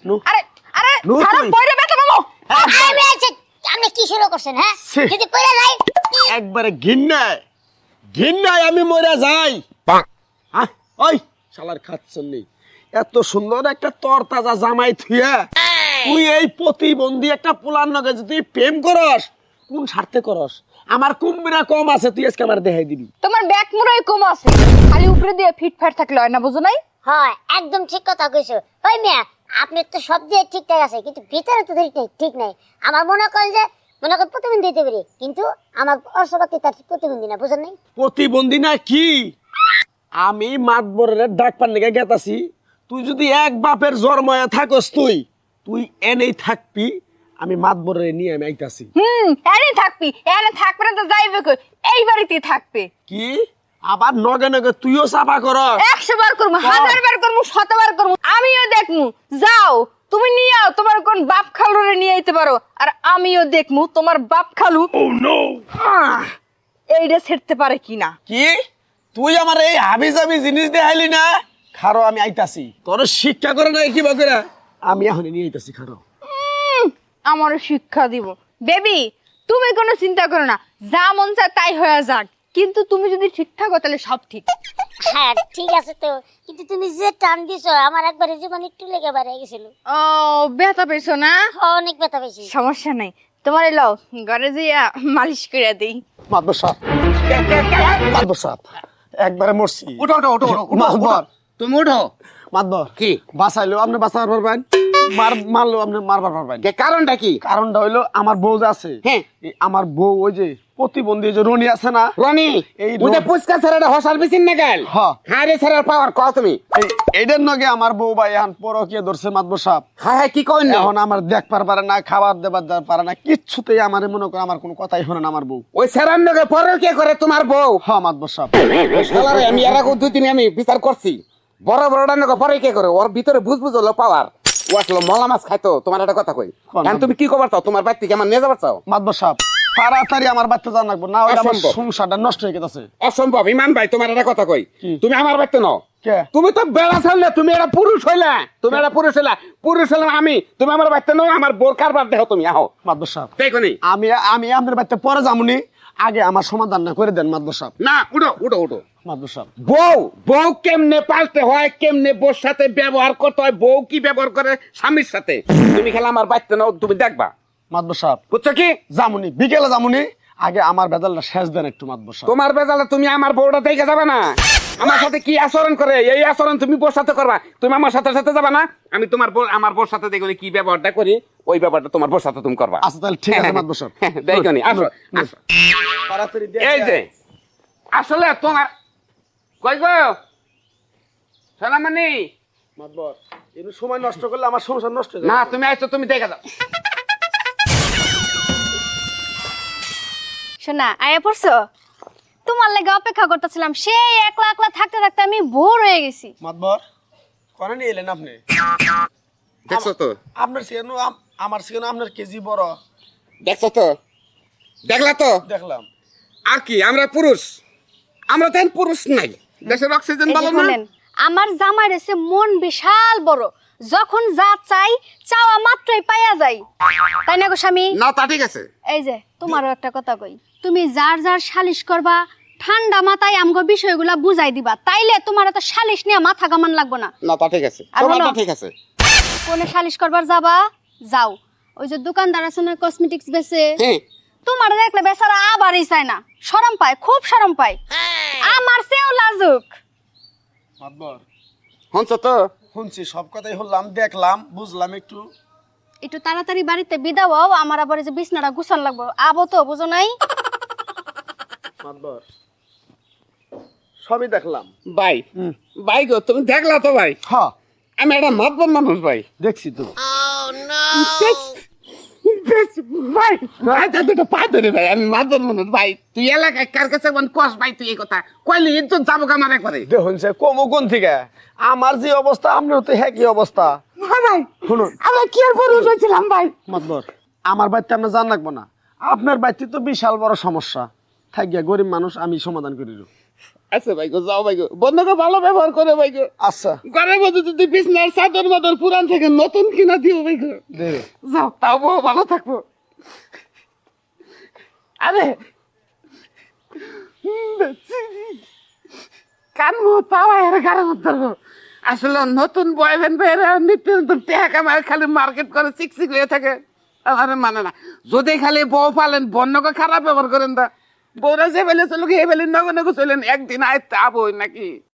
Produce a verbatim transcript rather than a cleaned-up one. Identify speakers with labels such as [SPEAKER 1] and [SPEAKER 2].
[SPEAKER 1] আরে আরে ছাড়ো পয়রে বেটা মামু
[SPEAKER 2] আমি আছি আপনি কি শুরু করছেন হ্যাঁ যদি পয়রা যাই
[SPEAKER 3] একবারে ঘিন্নায় ঘিন্নায় আমি মরে যাই হ্যাঁ ওই শালার খাচ্ছেন নেই এত সুন্দর একটা তরতাজা জামাই থুয়া তুই এই প্রতিবন্ধী একটা পোলার নগে যদি প্রেম করস কোন স্বার্থে করস আমার কুম্বিরা কম আছে তুই আজকে আমার দেখাই দিবি
[SPEAKER 1] তোমার ব্যাক মুরাই কম আছে খালি উপরে দিয়ে ফিটফাট থাকলে হয় না বুঝো নাই
[SPEAKER 2] হয় একদম ঠিক কথা কইছো ওই মিয়া আপনি তো সব দিয়ে ঠিকঠাক আছে কিন্তু ভিতরে তো ঠিক নাই ঠিক নাই আমার মনে করেন যে মনে করেন প্রতিবন্ধী দিতে পারি কিন্তু আমার অর্শপাতি তার প্রতিবন্ধী না বুঝেন নাই
[SPEAKER 3] প্রতিবন্ধী না কি আমি মাতবরের ডাক পান লেগে গেতাছি তুই যদি এক বাপের জন্ময়ে থাকস তুই তুই এনেই থাকবি আমি মাতবরের নিয়ে আমি আইতাছি
[SPEAKER 1] হুম এনে থাকবি এনে থাকবে না তো যাইবে কই এই বাড়িতেই থাকবে
[SPEAKER 3] কি আবার নগে নগে তুইও চাপা কর
[SPEAKER 1] একশো বার করবো হাজার বার করবো শতবার করবো আমিও দেখমু যাও তুমি নিয়ে আও তোমার কোন বাপ খালুরে নিয়ে আইতে পারো আর আমিও দেখমু তোমার বাপ খালু এইটা ছেড়তে পারে কিনা
[SPEAKER 3] কি তুই আমার এই হাবি জাবি জিনিস দেখাইলি না খারো আমি আইতাছি তোর শিক্ষা করে না কি বকেরা আমি এখন নিয়ে আইতাছি খারো
[SPEAKER 1] আমার শিক্ষা দিব বেবি তুমি কোনো চিন্তা করো না যা মন চায় তাই হয়ে যাক কিন্তু তুমি যদি ঠিকঠাক হো তাহলে সব ঠিক
[SPEAKER 2] হ্যাঁ ঠিক আছে তো কিন্তু তুমি যে টান দিছো আমার একবার জীবন একটু লেগে বাড়ে গেছিল
[SPEAKER 1] ও ব্যথা পেয়েছো না
[SPEAKER 2] অনেক ব্যথা পেয়েছি
[SPEAKER 1] সমস্যা নাই তোমার এলাও ঘরে যাইয়া মালিশ করে দেই
[SPEAKER 3] মাতবর সাহেব মাতবর সাহেব একবারে মরছি
[SPEAKER 4] উঠো উঠো উঠো
[SPEAKER 3] মাতবর
[SPEAKER 4] তুমি উঠো
[SPEAKER 3] মাতবর
[SPEAKER 4] কি
[SPEAKER 3] বাঁচাইলো আপনি বাঁচাবার পারবেন মার মারলো আপনি মারবার পারবেন
[SPEAKER 4] কে কারণটা কি
[SPEAKER 3] কারণটা হইলো আমার বউ যে আছে
[SPEAKER 4] হ্যাঁ
[SPEAKER 3] এই আমার বউ ওই যে প্রতিবন্ধী যে রনি আছে না
[SPEAKER 4] রনি
[SPEAKER 3] এই
[SPEAKER 4] ওই যে
[SPEAKER 3] রনি-
[SPEAKER 4] পুচকা ছেলেটা হসাল বিছিন না গেল
[SPEAKER 3] হ্যাঁ।
[SPEAKER 4] হ্যাঁ রে ছেলের পাওয়ার কও তুমি
[SPEAKER 3] এই এইটার নগে আমার বউ ভাই এখন পরকিয়া ধরছে মাতবর সাহেব
[SPEAKER 4] হ্যাঁ হ্যাঁ কি কইন
[SPEAKER 3] এখন আমার দেখবার পারে না খাবার দেবার দেবার পারে না কিচ্ছুতেই আমার মনে করে আমার কোনো কথাই শোনে না আমার বউ
[SPEAKER 4] ওই ছেলের নগে পরে কে করে তোমার বউ
[SPEAKER 3] হ্যাঁ মাতবর সাহেব
[SPEAKER 4] ওই শালারে আমি এর আগে দুই দিন আমি বিচার করছি বড় বড়টা নগে পরে কে করে ওর ভিতরে বুঝ বুঝ হলো পাওয়ার ও আসলে মলা মাছ খাইতো তোমার একটা কথা কই
[SPEAKER 3] কোন?
[SPEAKER 4] এখন তুমি কি কবার চাও তোমার বাড়ি থেকে আমার নিয়ে যাবার চাও
[SPEAKER 3] মাতবর সাহেব তাড়াতাড়ি আমার বাচ্চা জান লাগবো না হলে আমার
[SPEAKER 4] অসম্ভব।
[SPEAKER 3] সংসারটা নষ্ট হয়ে গেছে
[SPEAKER 4] অসম্ভব ইমান ভাই তোমার একটা কথা কই
[SPEAKER 3] কি?
[SPEAKER 4] তুমি আমার বাড়িতে নও
[SPEAKER 3] কে
[SPEAKER 4] তুমি তো বেড়া ছাড়লে তুমি একটা পুরুষ হইলা তুমি একটা পুরুষ হইলা পুরুষ হইলাম আমি তুমি আমার বাড়িতে নও আমার বোর কারবার দেখো তুমি আহো
[SPEAKER 3] মাতবর সাহেব
[SPEAKER 4] দেখো নি
[SPEAKER 3] আমি আমি আপনার বাচ্চা পরে যামুনি আগে আমার সমাধান না করে দেন মাতবর সাহেব
[SPEAKER 4] না উঠো উঠো উঠো
[SPEAKER 3] মাতবর সাহেব
[SPEAKER 4] বউ বউ কেমনে পাল্টে হয় কেমনে বউর সাথে ব্যবহার করতে হয় বউ কি ব্যবহার করে স্বামীর সাথে তুমি খেলা আমার বাড়িতে নাও তুমি দেখবা
[SPEAKER 3] মাতবর সাহেব
[SPEAKER 4] বুঝছো কি
[SPEAKER 3] যামুনি বিকেলে যামুনি আগে আমার বেজালটা শেষ দেন একটু মাতবর সাহেব
[SPEAKER 4] তোমার বেজালে তুমি আমার বউটা দেখে যাবে না আমার সাথে কি আচরণ করে এই আচরণ তুমি বউর সাথে করবা তুমি আমার সাথে সাথে যাবে না আমি তোমার বউ আমার বউর সাথে দেখো কি ব্যবহারটা করি ওই ব্যাপারটা তোমার বউর সাথে তুমি করবা
[SPEAKER 3] আচ্ছা তাহলে ঠিক আছে মাতবর সাহেব
[SPEAKER 4] দেখো নি আসো আসো।
[SPEAKER 3] তাড়াতাড়ি দিয়ে
[SPEAKER 4] এই যে আসলে তোমার কই গো সোনামণি
[SPEAKER 3] মাতবর এর সময় নষ্ট করলে আমার সংসার নষ্ট হয়ে যাবে
[SPEAKER 4] না তুমি আইছো তুমি দেখে যাও
[SPEAKER 5] শোনা আয়া পড়ছো তোমার লাগে অপেক্ষা করতেছিলাম সেই একলা একলা থাকতে থাকতে আমি বোর হয়ে গেছি
[SPEAKER 3] মাতবর কোনে নিয়ে এলেন আপনি
[SPEAKER 4] দেখছো তো
[SPEAKER 3] আপনার সেখানে আমার সেখানে আপনার কেজি বড়
[SPEAKER 4] দেখছো তো দেখলা তো
[SPEAKER 3] দেখলাম
[SPEAKER 4] আর কি আমরা পুরুষ আমরা তো পুরুষ নাই দেশের অক্সিজেন
[SPEAKER 5] এই যে
[SPEAKER 4] ভালো না
[SPEAKER 5] শুনেন, আমার জামাই রয়েছে মন বিশাল বড় যখন যা চাই চাওয়া মাত্রই পাইয়া যাই তাই না গো স্বামী
[SPEAKER 4] না তা ঠিক আছে
[SPEAKER 5] এই যে তোমারও একটা কথা কই তুমি যার যার সালিশ করবা ঠান্ডা মাথায় আমগো বিষয়গুলা বুঝাই দিবা তাইলে তোমার এত সালিশ নিয়ে মাথা কামান লাগবো না
[SPEAKER 4] না তা ঠিক আছে
[SPEAKER 5] আর
[SPEAKER 4] তোমারটা
[SPEAKER 5] হলো?
[SPEAKER 4] ঠিক আছে
[SPEAKER 5] কোনে সালিশ করবার যাবা যাও ওই যে দোকানদার আছে না কসমেটিক্স বেচে
[SPEAKER 4] হ্যাঁ
[SPEAKER 5] তোমার দেখলে বেচারা আবারই চায় না শরম পায় খুব শরম পায় আমার চেয়েও লাজুক
[SPEAKER 3] মাতবর
[SPEAKER 4] হনছ তো
[SPEAKER 3] শুনছি সব কথাই হলাম দেখলাম বুঝলাম একটু
[SPEAKER 5] একটু তাড়াতাড়ি বাড়িতে বিদাও হও, আমার আবার এই যে বিছনাটা গুছান লাগবো আবো তো বুঝো নাই
[SPEAKER 3] মাতবর সবই দেখলাম
[SPEAKER 4] ভাই ভাই গো তুমি দেখলা তো ভাই
[SPEAKER 3] হ্যাঁ
[SPEAKER 4] আমি একটা মাতবর মানুষ ভাই
[SPEAKER 3] দেখছি তো
[SPEAKER 4] বেশ, ভাই ভাই তা দুটো পা ধরে ভাই আমি মাতবর মানুষ ভাই তুই এলাকায় কার কাছে মানে কস ভাই তুই এই কথা কইলি ইজ্জত যাবো কামার একবারে
[SPEAKER 3] দেখুন সে কমো কোন থেকে আমার যে অবস্থা আপনার তো হ্যাঁ কি অবস্থা
[SPEAKER 4] হ্যাঁ ভাই
[SPEAKER 3] শুনুন
[SPEAKER 4] আমরা কি আর পুরুষ হয়েছিলাম ভাই
[SPEAKER 3] মাতবর আমার বাড়িতে আমরা জান রাখবো না আপনার বাড়িতে তো বিশাল বড় সমস্যা থাক গিয়া গরিব মানুষ আমি সমাধান করি
[SPEAKER 4] আচ্ছা ভাই গো যাও ভাই গো বন্ধুকে ভালো ব্যবহার করে ভাই গো
[SPEAKER 3] আচ্ছা
[SPEAKER 4] ঘরের মধ্যে যদি বিছনার চাদর মাদর পুরান থেকে নতুন কিনা দিও ভাই গো
[SPEAKER 3] দে রে।
[SPEAKER 4] যাও তাও বউ ভালো থাকবো আরে কানবো তাও এর গাড়ি মধ্যে আসলে নতুন বয়ফ্রেন্ড বেড়ে নিত্য নতুন টেহা কামায় খালি মার্কেট করে চিকচিক হয়ে থাকে আমার মানে না যদি খালি বউ পালেন বন্যকে খারাপ ব্যবহার করেন তা বউরা যে বেলে চলুক এ বেলে নগ নগ চলেন একদিন আয় তা বই নাকি